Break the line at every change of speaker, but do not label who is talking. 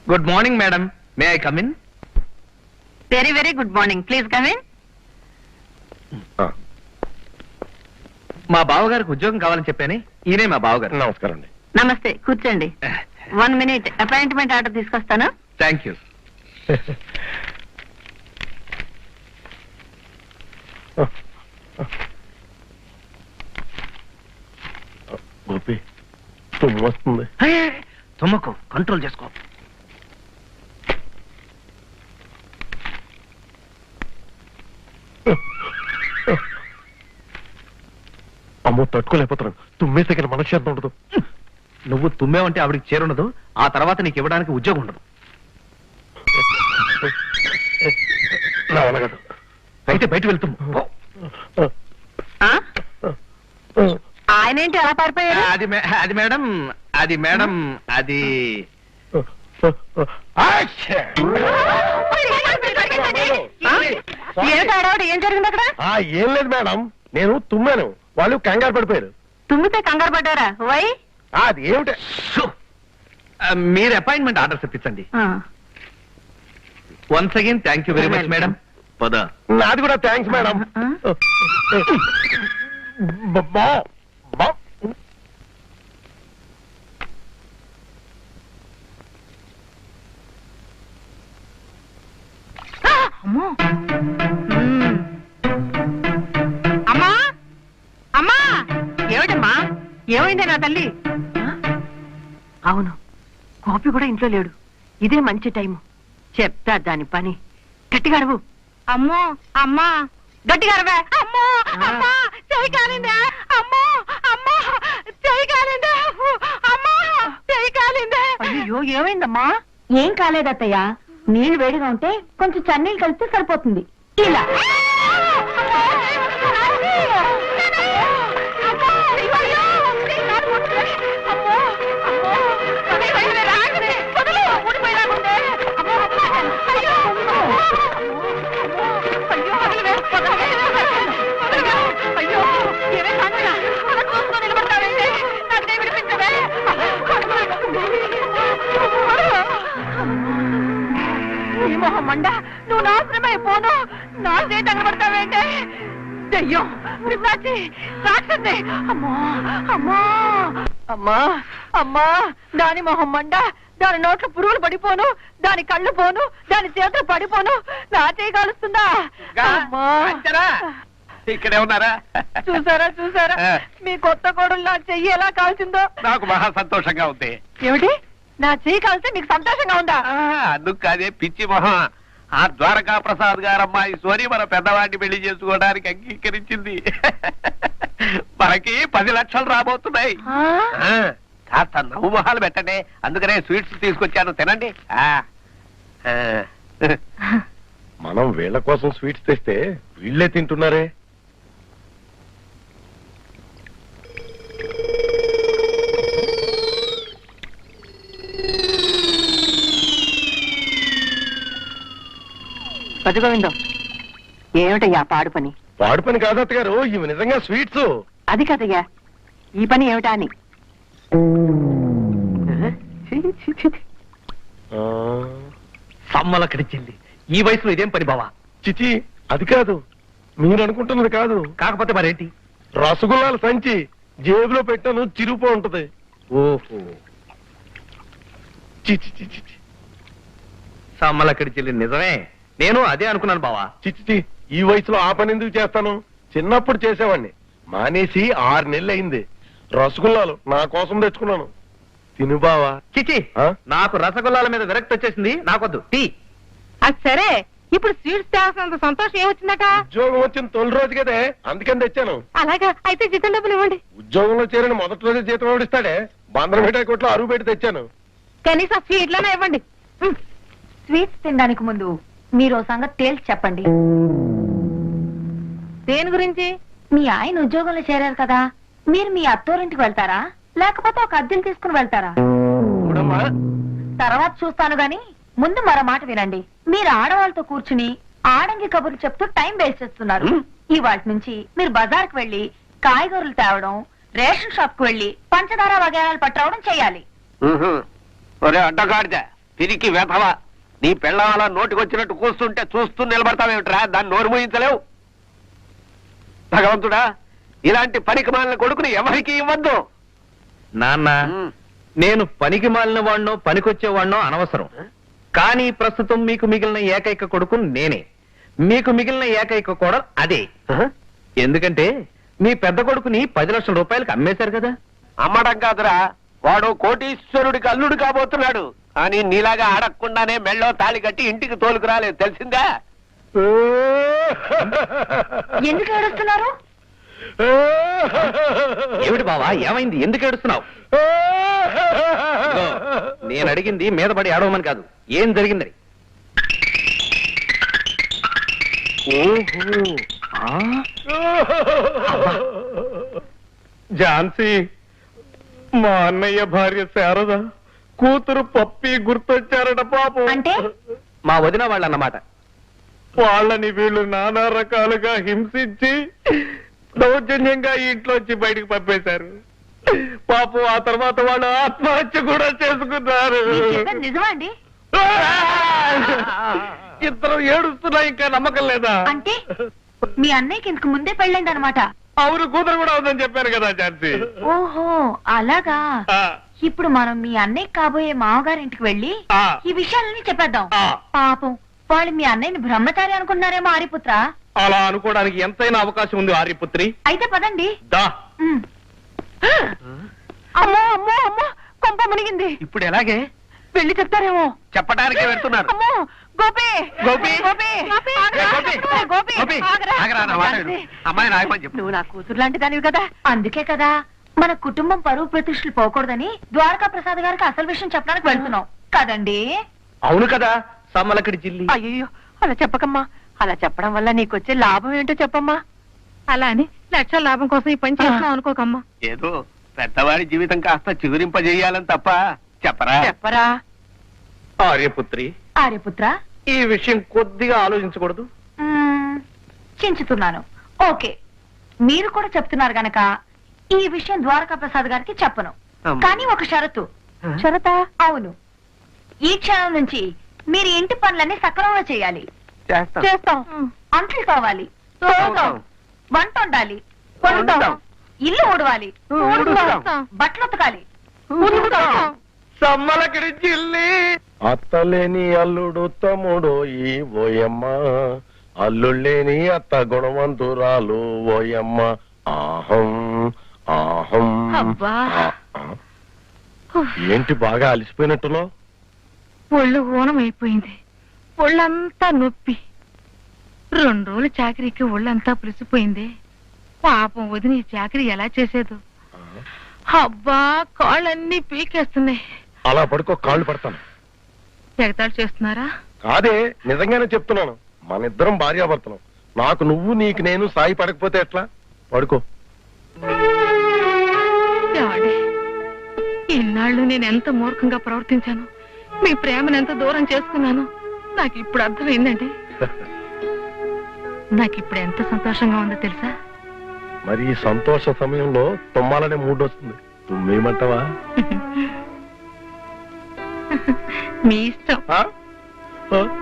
Good morning madam, may I come in?
Very very good morning, please come in.
మా బావగారికి ఉద్యోగం కావాలని చెప్పాను. ఈయనే మా బావగారు.
నమస్కారం అండి.
నమస్తే, కూర్చోండి. 1 minute అపాయింట్మెంట్ ఆర్డర్ తీసుకొస్తాను.
Thank you.
గోపి తుమ్ము వస్తుంది.
తుమ్మకు, కంట్రోల్ చేసుకో.
అమ్మో తట్టుకోలేకపోతున్నాను. తుమ్మేస్తే కానీ మనశ్శాంతి ఉండదు.
నువ్వు తుమ్మేవంటే ఆవిడికి చేరుండదు, ఆ తర్వాత నీకు ఇవ్వడానికి ఉద్యోగం ఉండదు.
నా వల్ల కాదు.
అయితే బయట వెళ్తాము.
ఆయన ఏంటి అలా పారిపోయారు?
అది మేడం, అది
ఏం జరిగింది అక్కడ?
ఏం లేదు మేడం, నేను తుమ్మాను, వాళ్ళు కంగారు పడిపోయారు.
తుమ్మితే కంగారు పడ్డారా? వై?
అది ఏమిటి?
మీరు అపాయింట్మెంట్ ఆర్డర్ తెప్పించండి. Once again thank you very much madam. పద.
నాది కూడా థ్యాంక్స్ మేడం.
అమ్మా అమ్మా, ఏమిటమ్మా, ఏమైంది నా తల్లి? అవును, గోపి కూడా ఇంట్లో లేడు. ఇదే మంచి టైము. చెప్తా దాని పని. గట్టిగా అరువు. అమ్మో అమ్మా, గట్టిగా అరవే. అమ్మో అమ్మా, చెయ్యి కాలిందా? అమ్మో అమ్మా, చెయ్యి కాలిందా? అమ్మా, చెయ్యి కాలిందా? అయ్యో, ఏమైందమ్మా?
ఏం కాలేదత్తయ్య, నీళ్లు వేడిగా ఉంటే కొంచెం చన్నీళ్ళు కలిపితే సరిపోతుంది. ఇలా
మండ, నువ్వు నాశనమైపోను. నా చేతి తగలబడతావేంటే? దెయ్యం, పిశాచి, రాక్షసి. అమ్మా అమ్మా అమ్మా అమ్మా, దాని మొహం మండ, దాని నోట్లో పురుగులు పడిపోను, దాని కళ్ళు పోను, దాని చేతులు పడిపోను. నా చేయి కాలుస్తుందా?
ఇక్కడే ఉన్నారా?
చూసారా మీ కొత్త కోడలు నా చెయ్యి ఎలా కాల్చిందో?
నాకు మహా సంతోషంగా ఉంది.
ఏమిటి, నా చెయ్యి కాల్స్తే నీకు సంతోషంగా ఉందా?
అందుకు కాదే పిచ్చి మొహం. ఆ ద్వారకా ప్రసాద్ గారు అమ్మాయి సోని మన పెద్దవాడిని పెళ్లి చేసుకోవడానికి అంగీకరించింది. మనకి 10 లక్షలు రాబోతున్నాయి. కాస్త నవ్వు మొహాలు పెట్టండి, అందుకనే స్వీట్స్ తీసుకొచ్చాను, తినండి.
మనం వీళ్ళ కోసం స్వీట్స్ తెస్తే వీళ్ళే తింటున్నారే.
గోవిందం, ఏమిటయ్యా పాడు పని?
పాడు పని కాదు అత్తగారు, ఇవి నిజంగా స్వీట్స్.
అది కదయ్యా, ఈ పని ఏమిటా అని.
సమ్మలకడిచింది. ఈ వయసులో ఇదేం పని బావా?
చిచి, అది కాదు, మీరు అనుకుంటున్నది కాదు.
కాకపోతే మరేంటి?
రసగుల్లాల సంచి జేబులో పెట్టాను, చిరుపో ఉంటది.
ఓహో,
చిచి చిచి,
సమ్మలకడిచింది నిజమే. నేను అదే అనుకున్నాను బావా.
చిచి, ఈ వయసులో ఆ పని ఎందుకు చేస్తాను? చిన్నప్పుడు చేసేవాడిని, మానేసి 6 నెలలు అయింది. రసగుల్లాలు నా కోసం తెచ్చుకున్నాను, తిను బావా.
చిచి, నాకు రసగుల్లాల మీద విరక్తి వచ్చేసింది, నాకొద్దు. టీ.
అది సరే, ఇప్పుడు స్వీట్స్ తేవాల్సినంత సంతోషం ఏమొచ్చిందట?
ఉద్యోగం వచ్చిన తొలి రోజు కదే, అందుకని తెచ్చాను.
అలాగా, అయితే జీతం డబ్బులు ఇవ్వండి.
ఉద్యోగంలో చేరిన మొదటి రోజే జీతం ఎవడిస్తాడే? బందరం మిఠాయి కొట్లో అరువు పెట్టి తెచ్చాను.
కనీసం స్వీట్లోనే ఇవ్వండి.
స్వీట్స్ తినడానికి ముందు మీరు ఓ సంగతి తేల్చి చెప్పండి.
దేని గురించి?
మీ ఆయన ఉద్యోగంలో చేరారు కదా, మీరు మీ అత్తోరింటికి వెళ్తారా, లేకపోతే ఒక అద్దెలు తీసుకుని వెళ్తారా? తర్వాత చూస్తాను గాని ముందు మరో మాట వినండి. మీరు ఆడవాళ్ళతో కూర్చుని ఆడంగి కబుర్లు చెప్తూ టైం వేస్ట్ చేస్తున్నారు. ఇవాటి నుంచి మీరు బజార్కి వెళ్లి కాయగూరలు తేవడం, రేషన్ షాప్ కు వెళ్లి పంచదార వగైరాలు పట్టరావడం చేయాలి.
అడ్డగాడితే తిరిగి వెధవ. నీ పెళ్ళం అలా నోటికొచ్చినట్టు కూస్తుంటే చూస్తూ నిలబడతావేమిట్రా? దాన్ని నోరు మూయించలేవు. భగవంతుడా, ఇలాంటి పనికి మాలిన కొడుకుని ఎవరికి ఇవ్వద్దు.
నాన్న, నేను పనికి మాలిన వాడినో పనికొచ్చేవాడినో అనవసరం. కానీ ప్రస్తుతం మీకు మిగిలిన ఏకైక కొడుకు నేనే. మీకు మిగిలిన ఏకైక కోడలు అదే. ఎందుకంటే మీ పెద్ద కొడుకుని 10 లక్షల రూపాయలకు అమ్మేశారు కదా.
అమ్మడం కాదురా, వాడు కోటీశ్వరుడికి అల్లుడు కాబోతున్నాడు. కానీ నీలాగా అడగకుండానే మెళ్ళో తాళి కట్టి ఇంటికి తోలుకురాలేదు, తెలిసిందా?
ఎందుకు ఏడుస్తున్నారు?
ఏమిటి బావా, ఏమైంది? ఎందుకు ఏడుస్తున్నావు? నేను అడిగింది మీద పడి ఏడవమని కాదు, ఏం జరిగిందని.
ఝాన్సీ, మా అన్నయ్య భార్య శారద కూతురు పప్పి గుర్తొచ్చారట పాపం.
అంటే
మా వదిన వాళ్ళు అన్నమాట.
వాళ్ళని వీళ్ళు నానా రకాలుగా హింసించి దౌర్జన్యంగా ఇంట్లోంచి బయటికి పంపేశారు పాపం. ఆ తర్వాత వాళ్ళు ఆత్మహత్య కూడా చేసుకున్నారు.
మీరు చెప్పేది నిజమా అండి?
ఇద్దరు ఏడుస్తున్నా, ఇంకా నమ్మకం లేదా?
అంటే మీ అన్నయ్యకి ఇంతకు ముందే పెళ్ళైంది అనమాట.
అవును, కూతురు కూడా ఉందని చెప్పాను కదా ఝాన్సీ.
ఓహో, అలాగా.
ఆ,
ఇప్పుడు మనం మీ అన్నయ్య కాబోయే మామగారింటికి వెళ్ళి
ఆ.
ఈ విషయాలన్నీ చెప్పేద్దాం.
ఆ.
పాపం వాళ్ళు మీ అన్నయ్యని బ్రహ్మచారి అనుకున్నారేమో ఆర్యపుత్ర.
అలా అనుకోవడానికి ఎంతైనా అవకాశం ఉంది ఆర్యపుత్రి.
అయితే పదండి.
దా.
ఉమ్.
అమ్మో అమ్మో అమ్మో, కొంప మునిగింది.
ఇప్పుడు ఎలాగే?
వెళ్ళి చెప్తారేమో.
చెప్పడానికే వెళ్తున్నారు.
అమ్మో, గోపి
గోపి?
గోపి
ఏ, గోపి?
గోపి
గోపి,
ఆగరా.
ఆగరా, నా మాట విను. అమ్మాయి నాయమని చెప్పు.
నువ్వు నా కూతురు లాంటి దానివి కదా.
అందుకే కదా మన కుటుంబం పరువు ప్రతిష్టలు పోకూడదని ద్వారకా ప్రసాద్ గారికి అసలు విషయం చెప్పడానికి వెళ్తున్నాం కదండి.
అవును కదా, సమ్మలక్కడి జిల్లి.
అయ్యో, అలా చెప్పకమ్మా. అలా చెప్పడం వల్ల నీకొచ్చే లాభం ఏంటో చెప్పమ్మా. అలా అని లక్షల లాభం కోసం ఈ పని చేస్తున్నావు అనుకోకమ్మా.
ఏదో పెద్దవాడి జీవితం కాస్త చిగురింపజేయాలని తప్ప చెప్పరా?
చెప్పరా.
ఆర్యపుత్రి,
ఆర్యపుత్ర,
ఈ విషయం కొద్దిగా ఆలోచించకూడదు?
చించుతున్నాను. ఓకే, మీరు కూడా చెప్తున్నారు గనక ఈ విషయం ద్వారకా ప్రసాద్ గారికి చెప్పను.
అమ్మ.
కానీ ఒక షరతు.
షరతా?
అవును, ఈ క్షణం నుంచి మీరు ఇంటి పనులన్నీ సక్రమంగా చేయాలి.
చేస్తాం.
చేస్తాం.
అంట్లు కావాలి, తోముతాం, వంట వండాలి,
వండుతాం.
ఇల్లు ఊడవాలి,
ఊడుస్తాం.
బట్టలు ఉతకాలి.
ఉతుకుతాం.
సమ్మలక్కడి జిల్లి. అత్తలేని అల్లుడు తమ్ముడు ఈ ఓయమ్మ, అల్లుళ్ళేని అత్త గుణవంతురాలు ఓయమ్మ. ఆహం ఆహం.
అబ్బా.
ఆ. ఏంటి బాగా అలసిపోయినట్టున్నావు?
ఒళ్ళు ఊనం అయిపోయింది. ఒళ్ళంతా నొప్పి. 2 రోజులు చాకరీకి ఒళ్ళంతా పులిసిపోయింది. పాపం వదిన ఈ చాకరీ ఎలా చేసేదో. అబ్బా, కాళ్ళన్నీ పీకేస్తున్నాయి.
అలా పడుకో, కాళ్ళు పడతాను.
ఎగతాళి చేస్తున్నారా?
కాదే, నిజంగానే చెప్తున్నాను. మన ఇద్దరం భార్యాభర్తలం. నాకు నువ్వు, నీకు నేను సాయి పడకపోతే ఎట్లా? పడుకో.
ఏమండి, ఇన్నాళ్ళు నేను ఎంత మూర్ఖంగా ప్రవర్తించాను, మీ ప్రేమను ఎంత దూరం చేసుకున్నాను నాకు ఇప్పుడు అర్థమైందండి. నాకు ఇప్పుడు ఎంత సంతోషంగా ఉందో తెలుసా?
మరి ఈ సంతోష సమయంలో తుమ్మాలనే మూడ్ వస్తుంది. తుమ్మేమంటావా?
మీ ఇష్టం.
ఆ? ఆ?